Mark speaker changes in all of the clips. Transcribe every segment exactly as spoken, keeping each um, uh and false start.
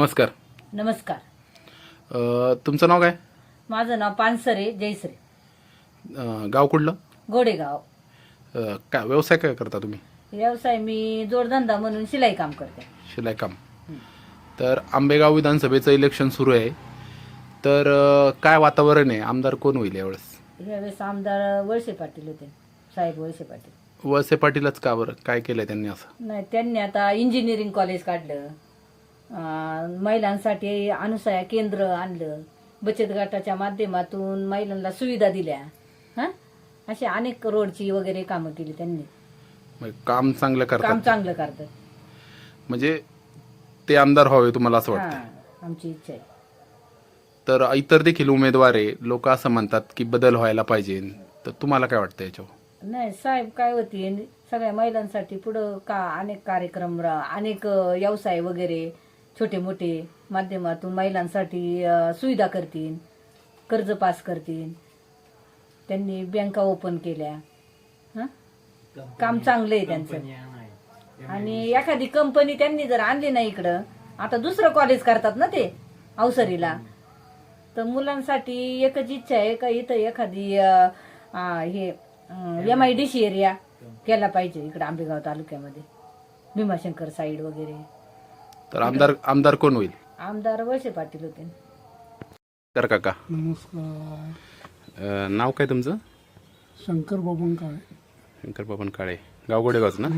Speaker 1: नमस्कार.
Speaker 2: नमस्कार.
Speaker 1: अ, तुमचं नाव काय?
Speaker 2: माझं नाव पानसरे जयश्री.
Speaker 1: अ, गाव कुठलं?
Speaker 2: गोडेगाव.
Speaker 1: अ, काय व्यवसाय काय करता तुम्ही?
Speaker 2: व्यवसाय मी जोडधंदा म्हणून शिलाई काम करते.
Speaker 1: शिलाई काम. तर आंबेगाव विधानसभेचं इलेक्शन सुरू आहे, तर अ, काय वातावरण आहे? आमदार कोण होईल यावेळेस?
Speaker 2: यावेळेस आमदार वळसे पाटील होते, साहेब वळसे पाटील.
Speaker 1: वळसे पाटीलच का बरं? काय केलंय त्यांनी असं?
Speaker 2: नाही, त्यांनी आता इंजिनिअरिंग कॉलेज काढलं, अं, महिलांसाठी अनुसया केंद्र आणलं, बचत गटाच्या माध्यमातून महिलांना सुविधा दिल्या. हा, अशी अनेक रोडची वगैरे कामं केली त्यांनी.
Speaker 1: म्हणजे काम चांगलं
Speaker 2: काम
Speaker 1: करतात,
Speaker 2: चांगलं करतात.
Speaker 1: म्हणजे ते आमदार व्हावे तुम्हाला असं वाटतं?
Speaker 2: हा, आमची इच्छा आहे.
Speaker 1: तर इतर देखील उमेदवार आहे, लोक असं म्हणतात की बदल व्हायला पाहिजे, तर तुम्हाला काय वाटतं याच्यावर?
Speaker 2: नाही, साहेब काय होती, सगळ्या महिलांसाठी पुढं का अनेक कार्यक्रम रा- अनेक अ, व्यवसाय वगैरे छोटे मोठे माध्यमातून महिलांसाठी अ, सुविधा करतील, कर्ज पास करतील. त्यांनी बँका ओपन केल्या. हं? काम चांगलं आहे त्यांचं. आणि एखादी कंपनी त्यांनी जर आणली ना इकडं, आता दुसरं कॉलेज करतात ना ते अवसरीला, तर मुलांसाठी एकच इच्छा आहे का इथं एखादी अ, अ, हे M I D C area केला पाहिजे इकडे आंबेगाव तालुक्यामध्ये, भीमाशंकर साईड वगैरे.
Speaker 1: तर आमदार आमदार कोण होईल?
Speaker 2: आमदार वळसे पाटील होते.
Speaker 1: तर काका,
Speaker 3: नमस्कार.
Speaker 1: अ, नाव काय तुमचं?
Speaker 3: शंकर बाबन काळे.
Speaker 1: शंकर बाबन काळे, गाव गोडेगावच ना?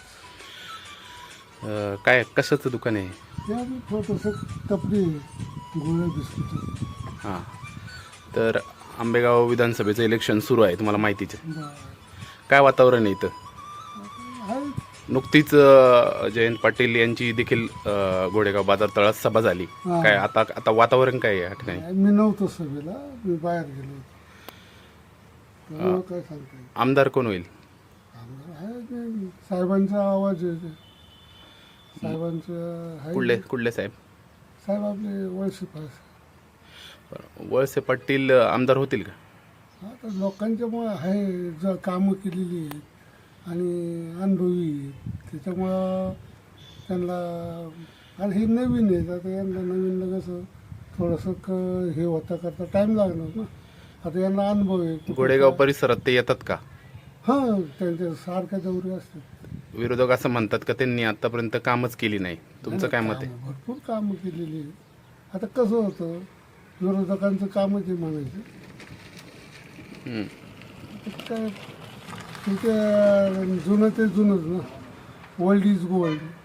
Speaker 1: अ, काय कशाचं दुकान आहे?
Speaker 3: या छोटंसं कपडे गोळ्या बिस्किट.
Speaker 1: हां, तर आंबेगाव विधानसभेचं इलेक्शन सुरू आहे, तुम्हाला माहितीच आहे. काय वातावरण आहे इथं?
Speaker 3: आहे
Speaker 1: नुकतीच अ, जयंत पाटील यांची देखील अ, गोडेगाव बाजार तळात सभा झाली.
Speaker 3: हां.
Speaker 1: काय आता आता वातावरण काय आहे या ठिकाणी?
Speaker 3: मी नव्हतो सभेला, मी बाहेर गेलो होतो. त्यामुळं काय सांगता येईल.
Speaker 1: आमदार कोण होईल?
Speaker 3: आमदार आहे ते साहेबांचा आवाज आहे ते. साहेबांचं आहे.
Speaker 1: कुठले कुठले साहेब?
Speaker 3: साहेब आपले वळसे पास.
Speaker 1: बरं. वळसे पाटील अ, आमदार होतील का?
Speaker 3: आता लोकांच्यामुळं आहे, ज कामं केलेली आहेत आणि अनुभवी आहेत. त्याच्यामुळं त्यांना, आणि हे नवीन आहेत, आता यांना नवीनला कसं थोडंसं क हे होता करता टाईम लागणार ना. आता यांना अनुभव आहे.
Speaker 1: गोडेगाव परिसरात ते येतात का?
Speaker 3: हां, त्यांच्या सारख्या दौरे असतात.
Speaker 1: विरोधक असं म्हणतात का त्यांनी आतापर्यंत कामच केली नाही. तुमचं काय मत आहे?
Speaker 3: कामं, भरपूर कामं केलेली आहेत. आता कसं होतं, विरोधकांचं कामच आहे म्हणायचं.
Speaker 1: हम्म.
Speaker 3: काय ते जुनं ते जुनंच ना, ओल्ड इज गोल्ड.